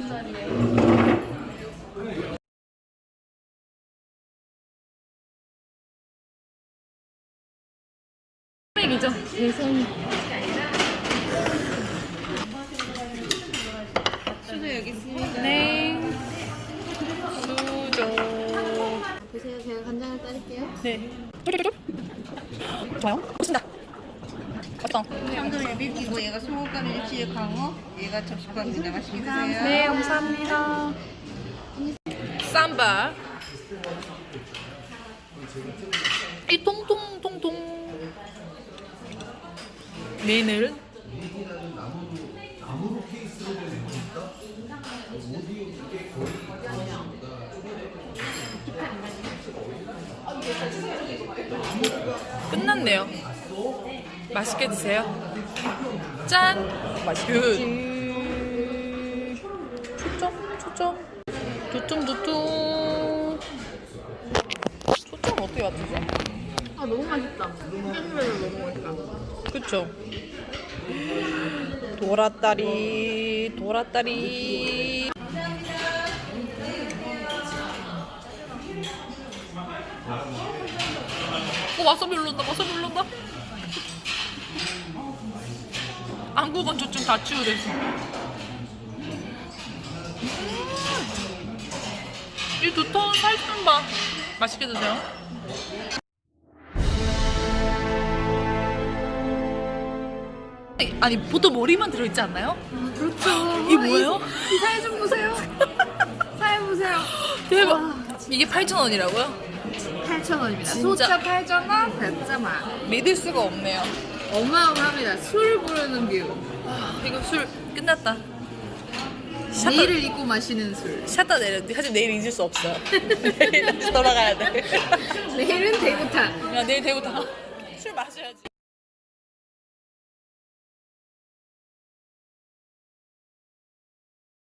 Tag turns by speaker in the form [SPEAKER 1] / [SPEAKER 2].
[SPEAKER 1] 자리에. 이죠 대선.
[SPEAKER 2] 수저 여기 있습니다.
[SPEAKER 1] 네. 수저.
[SPEAKER 2] 보세요. 제가 간장을 따를게요.
[SPEAKER 1] 네. 좋아요. 좋습니다. 맛있다.
[SPEAKER 2] 참돔 비비고 얘가 소금가루 일치에 강어, 얘가 접시밥입니다. 맛있게 드세요.
[SPEAKER 1] 네, 감사합니다. 쌈바. 이 통통통통 메인을 끝났네요. 맛있게 드세요. 짠! 맛있게. 초점. 두툼. 초점 어떻게 맞추죠?
[SPEAKER 2] 아 너무 맛있다. 햄버거 너무 맛있다.
[SPEAKER 1] 그쵸? 도라다리. 와사비 올라온다. 안구건 조증 다 치유됐어. 이 두터운 살좀 봐. 맛있게 드세요. 아니 보통 머리만 들어있지 않나요?
[SPEAKER 2] 그렇죠.
[SPEAKER 1] 이게 뭐예요?
[SPEAKER 2] 이 살 좀 보세요. 살 보세요.
[SPEAKER 1] 대박.
[SPEAKER 2] 와.
[SPEAKER 1] 이게 8,000원이라고요?
[SPEAKER 2] 8,000원입니다.
[SPEAKER 1] 진짜.
[SPEAKER 2] 소자 8,000원, 배짜 만.
[SPEAKER 1] 믿을 수가 없네요.
[SPEAKER 2] 어마어마합니다. 술 부르는 뷰.
[SPEAKER 1] 이거 술 끝났다.
[SPEAKER 2] 내일을 잊고 마시는 술.
[SPEAKER 1] 샷다 내렸는데 하지만 내일 잊을 수 없어요. 내일 다시 돌아가야 돼.
[SPEAKER 2] 내일은 대구탕.
[SPEAKER 1] 야, 내일 대구 다 술 마셔야지.